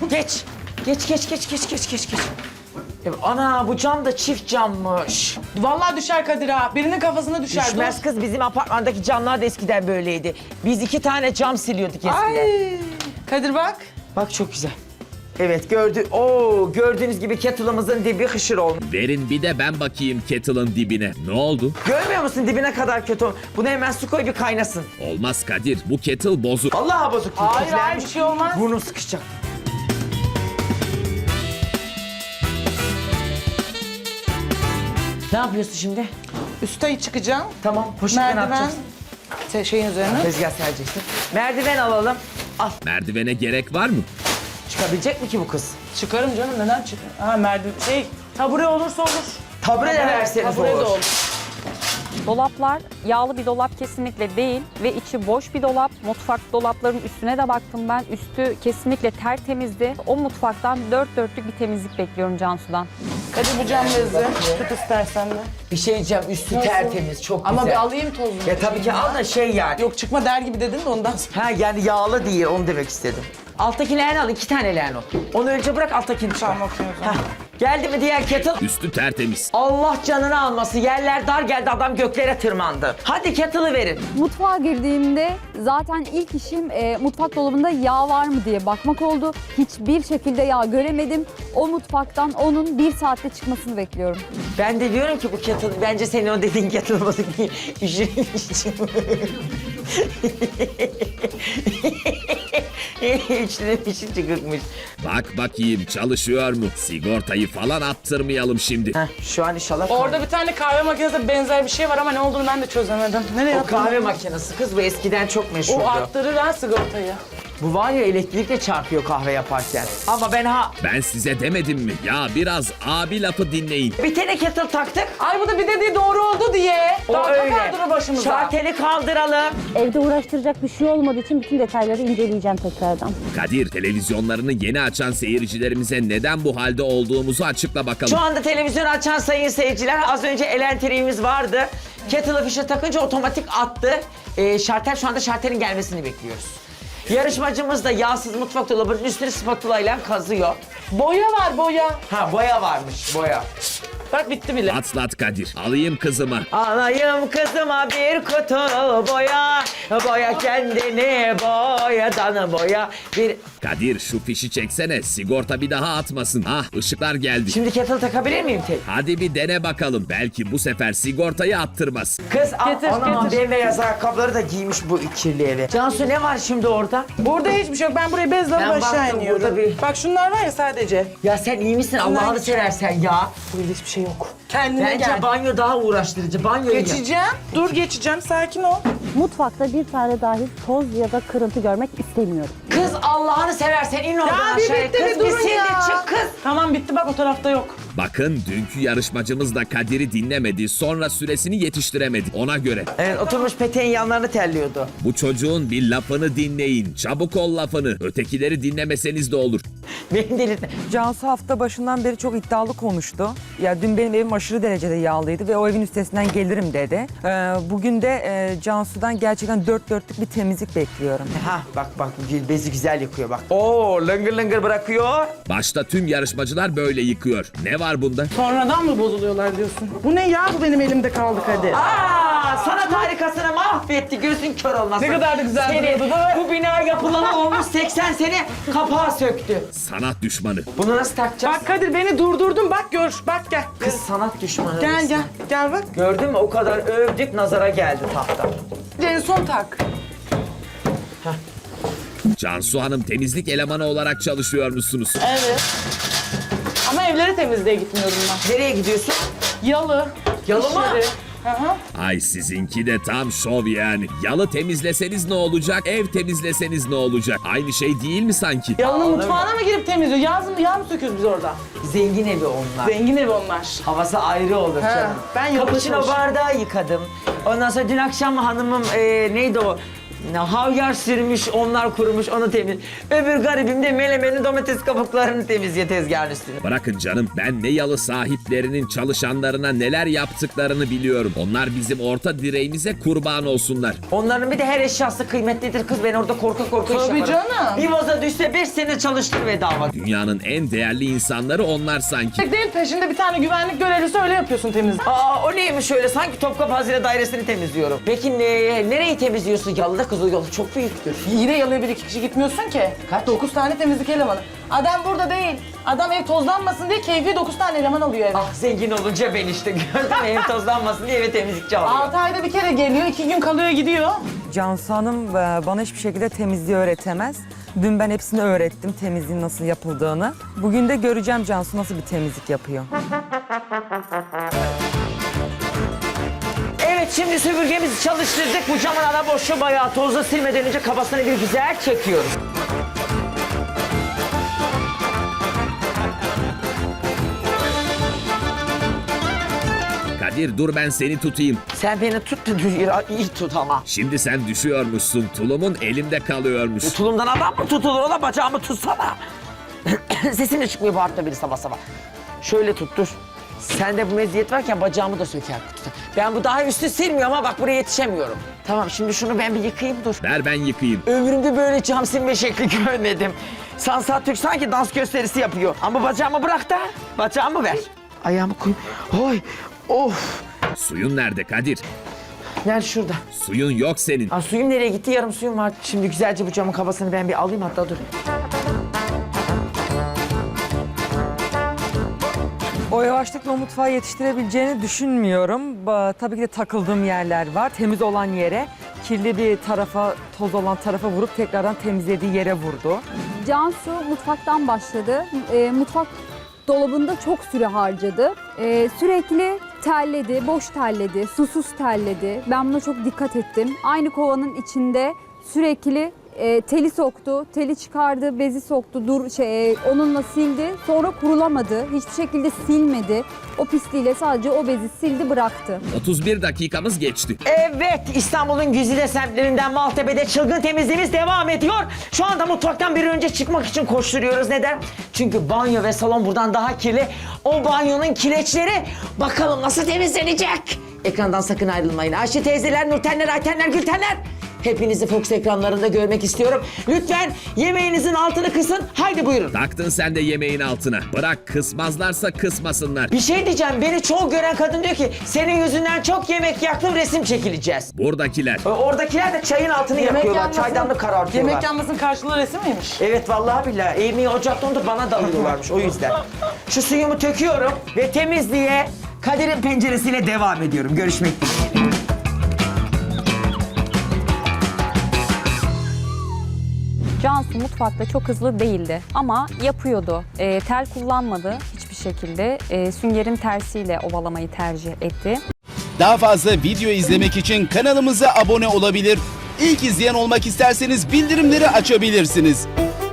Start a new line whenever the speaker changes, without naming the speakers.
Geç. Geç. Ana bu cam da çift cammış.
Vallahi düşer Kadir ha. Birinin kafasına düşer.
Düşmez kız, bizim apartmandaki camlar da eskiden böyleydi. Biz 2 tane cam siliyorduk eskiden.
Ay. Kadir bak.
Bak çok güzel. Evet gördüğünüz gibi kettle'ımızın dibi hışır olmuş.
Verin bir de ben bakayım kettle'ın dibine. Ne oldu?
Görmüyor musun dibine kadar kötü olmuş. Buna hemen su koy bir kaynasın.
Olmaz Kadir, bu kettle bozuk.
Vallahi bozuk.
Hayır bir şey olmaz.
Burnum sıkışacak. Ne yapıyorsun şimdi?
Üste çıkacağım.
Tamam, poşetten
Merdiven.
atacaksın.
Şeyin üzerine.
Tezgah sereceksin. Merdiven alalım. Al.
Merdivene gerek var mı?
Çıkabilecek mi ki bu kız?
Çıkarım canım, neden çıkar? Ha merdiven. Tabure olursa olur.
Tabure de verseniz
Tabure de
olur.
olur.
Dolaplar yağlı bir dolap kesinlikle değil ve içi boş bir dolap. Mutfak dolapların üstüne de baktım ben. Üstü kesinlikle tertemizdi. O mutfaktan dört dörtlük bir temizlik bekliyorum Cansu'dan.
Kadir bu cam bezi. Tut istersen de.
Bir şey diyeceğim, üstü tertemiz, çok
Ama
güzel.
bir alayım tozunu.
Ya tabii ki al da şey yani.
Yok çıkma der gibi dedin de ondan sonra.
Ha yani yağlı değil, onu demek istedim. Alttaki leğeni al, 2 tane leğen o. Onu önce bırak, alttakini çıkar.
Tamam, okey o zaman.
Hah. Geldi mi diğer kettle?
Üstü tertemiz.
Allah canını alması, yerler dar geldi, adam göklere tırmandı. Hadi kettle'ı verin.
Mutfağa girdiğimde zaten ilk işim mutfak dolabında yağ var mı diye bakmak oldu. Hiçbir şekilde yağ göremedim. O mutfaktan onun 1 saatte çıkmasını bekliyorum.
Ben de diyorum ki bu kettle, bence senin o dediğin kettle bozuk değil. İşin İçine pişin çıkıkmış.
Bak bakayım çalışıyor mu? Sigortayı falan attırmayalım şimdi.
Heh, şu an inşallah.
Orada bir tane kahve makinesine benzer bir şey var ama ne olduğunu ben de çözemedim. Nereye
O
attın?
kahve makinesi kız, bu eskiden çok meşhurdu.
O arttırır ha sigortayı.
Bu var ya, elektrikle çarpıyor kahve yaparken. Ama ben
Ben size demedim mi? Ya biraz abi lafı dinleyin.
bir tane kettle taktık.
Ay bu da bir dediği doğru oldu diye.
O
Daha
öyle.
kaldırır başımıza.
Şarteli kaldıralım.
Evde uğraştıracak bir şey olmadığı için bütün detayları inceleyeceğim tekrardan.
Kadir, televizyonlarını yeni açan seyircilerimize neden bu halde olduğumuzu açıkla bakalım.
Şu anda televizyon açan sayın seyirciler, az önce elektriğimiz vardı. Kettle'ı fişe takınca otomatik attı. Şartel, şu anda şartelin gelmesini bekliyoruz. Yarışmacımız da yağsız mutfak dolabının üstünü spatula ile kazıyor.
Boya var boya.
Ha, boya varmış, boya.
Bak bitti bile.
Atlat Kadir, alayım kızımı.
Alayım kızıma bir kutu boya, boya kendini boyadan boya. Bir...
Kadir şu fişi çeksene, sigorta bir daha atmasın. Ah, ışıklar geldi.
Şimdi kettle takabilir miyim tek?
Hadi bir dene bakalım, belki bu sefer sigortayı attırmaz.
Kız
Getir,
anam,
getir.
bembeyaz ayakkabıları da giymiş bu kirli eve. Cansu, ne var şimdi orada?
Burada hiçbir şey yok. Ben buraya bezle
Ben
alıp aşağı
baktım,
iniyorum.
burada bir-
Bak şunlar var ya sadece.
Ya sen iyi misin? Allah'ını seversen ya.
Burada hiçbir şey yok. Kendine
Bence
gel.
banyo daha uğraştırıcı. Banyoya gel.
Geçeceğim. Dur geçeceğim. Sakin ol.
Mutfakta bir tane dahi toz ya da kırıntı görmek istemiyorum.
Kız Allah'ını seversen in oradan
bir
aşağıya.
bitti,
Kız
bir
bir
durun
sil de
ya.
çık kız.
Tamam bitti bak o tarafta yok.
Bakın dünkü yarışmacımız da Kadir'i dinlemedi, sonra süresini yetiştiremedi. Ona göre.
Evet, oturmuş peteğin yanlarını terliyordu.
Bu çocuğun bir lafını dinleyin. Çabuk ol lafını. Ötekileri dinlemeseniz de olur.
Beni delirtme.
Cansu hafta başından beri çok iddialı konuştu. Ya dün benim evim aşırı derecede yağlıydı ve o evin üstesinden gelirim dedi. Bugün de Cansu'dan gerçekten dört dörtlük bir temizlik bekliyorum.
Ha bak bu gül bezi güzel yıkıyor bak. Oo, lıngır lıngır bırakıyor.
Başta tüm yarışmacılar böyle yıkıyor. Ne var bunda?
Sonradan mı bozuluyorlar diyorsun? Bu ne ya? Bu benim elimde kaldı Kadir.
Aa, sanat harikasını mahvetti, gözün kör olmasın.
Ne kadar da güzel
Seni,
duruyordu, değil mi?
bu bina yapılalı olmuş 80 sene, kapağı söktü.
Sanat düşmanı.
Bunu nasıl takacağız?
Bak Kadir beni durdurdun bak gör. Bak gel.
Kız sanat düşmanı.
Gel
resmen.
gel. Gel bak.
Gördün mü, o kadar övdük, nazara geldi tahta.
En son tak.
Cansu Hanım temizlik elemanı olarak çalışıyor musunuz?
Evet. Ama evleri temizliğe gitmiyorum ben.
Nereye gidiyorsun?
Yalı.
Yalı mı?
işleri. Hı hı.
Ay sizinki de tam şov yani. Yalı temizleseniz ne olacak, ev temizleseniz ne olacak? Aynı şey değil mi sanki?
Yalının
Aa,
mutfağına mı girip temizliyor? Yağ mı söküyoruz biz orada?
Zengin evi onlar.
Zengin evi onlar.
Havası ayrı olur
He,
canım.
ben yapı
Cappuccino
çalışıyorum.
bardağı yıkadım. Ondan sonra dün akşam hanımım neydi o? Havyar sürmüş, onlar kurumuş, onu temiz. Öbür garibim de melemenin domates kabuklarını temizliyor tezgahın üstüne.
Bırakın canım, ben ne yalı sahiplerinin çalışanlarına neler yaptıklarını biliyorum. Onlar bizim orta direğimize kurban olsunlar.
Onların bir de her eşyası kıymetlidir kız. Ben orada korka korka iş
Tabii
yaparım.
canım.
Bir vaza düşse 5 sene çalıştır bedava.
Dünyanın en değerli insanları onlar sanki.
Değil, peşinde bir tane güvenlik görevlisi, öyle yapıyorsun temizlik.
Aa, o neymiş öyle? Sanki Topkapı Hazine Dairesi'ni temizliyorum. Peki nereyi temizliyorsun? Yalıda kız, o yolu çok büyüktür.
İyi de yalıya bir iki kişi gitmiyorsun ki.
Kaç?
9 tane temizlik elemanı. Adam burada değil. Adam ev tozlanmasın diye keyfi 9 tane eleman alıyor eve.
Ah, zengin olunca ben işte gördün mü? Ev tozlanmasın diye eve temizlikçi alıyor.
6 ayda bir kere geliyor, 2 gün kalıyor gidiyor.
Cansu Hanım bana hiçbir şekilde temizliği öğretemez. Dün ben hepsini öğrettim, temizliğin nasıl yapıldığını. Bugün de göreceğim Cansu nasıl bir temizlik yapıyor.
Evet, şimdi süpürgemizi çalıştırdık. Bu camın ana boşluğu bayağı tozla, silmeden önce kafasını bir güzel çekiyoruz.
Kadir dur, ben seni tutayım.
Sen beni tut da iyi tut ama.
Şimdi sen düşüyormuşsun, tulumun elimde kalıyormuş.
Tulumdan adam mı tutulur? Ola bacağımı tutsana. Sesim de çıkmıyor bu harfle biri sabah sabah. Şöyle tuttur. Sende bu meziyet varken bacağımı da söker. Ben bu daha üstü silmiyorum ama bak buraya yetişemiyorum. Tamam, şimdi şunu ben bir yıkayayım, dur.
Ver ben yıkayayım.
Ömrümde böyle cam silme şekli görmedim. Sansar Türk sanki dans gösterisi yapıyor. Ama bacağımı bırak da bacağımı ver. Ayağımı koy. Oy, of.
Suyun nerede Kadir?
Gel şurada.
Suyun yok senin.
Aa, suyum nereye gitti? Yarım suyum var. Şimdi güzelce bu camın kafasını ben bir alayım, hatta dur.
O yavaşlıkla o mutfağı yetiştirebileceğini düşünmüyorum. Tabii ki de takıldığım yerler var. Temiz olan yere, kirli bir tarafa, toz olan tarafa vurup tekrardan temizlediği yere vurdu.
Cansu mutfaktan başladı. Mutfak dolabında çok süre harcadı. Sürekli terledi, boş terledi, susuz terledi. Ben buna çok dikkat ettim. Aynı kovanın içinde sürekli teli soktu, teli çıkardı, bezi soktu, onunla sildi. Sonra kurulamadı, hiçbir şekilde silmedi. O pisliğiyle sadece o bezi sildi, bıraktı.
31 dakikamız geçti.
Evet, İstanbul'un güzide semtlerinden Maltepe'de çılgın temizliğimiz devam ediyor. Şu anda mutfaktan bir önce çıkmak için koşturuyoruz. Neden? Çünkü banyo ve salon buradan daha kirli. O banyonun kireçleri bakalım nasıl temizlenecek? Ekrandan sakın ayrılmayın. Ayşe teyzeler, Nurtenler, Aytenler, Gültenler. Hepinizi Fox ekranlarında görmek istiyorum. Lütfen yemeğinizin altını kısın. Haydi buyurun.
Taktın sen de yemeğin altına. Bırak, kısmazlarsa kısmasınlar.
Bir şey diyeceğim. Beni çoğu gören kadın diyor ki senin yüzünden çok yemek yaktım, resim çekileceğiz.
Buradakiler.
Oradakiler de çayın altını yakıyorlar. Çaydanlık karartıyorlar.
Yemek yanmasının karşılığı resim miymiş?
Evet, vallahi billahi. Yemeği ocakta onu da bana dalıyorlarmış o yüzden. Şu suyumu töküyorum ve temizliğe Kadir'in penceresiyle devam ediyorum. Görüşmek dileğiyle.
Cansu mutfakta çok hızlı değildi ama yapıyordu. Tel kullanmadı hiçbir şekilde. Süngerin tersiyle ovalamayı tercih etti.
Daha fazla video izlemek için kanalımıza abone olabilir. İlk izleyen olmak isterseniz bildirimleri açabilirsiniz.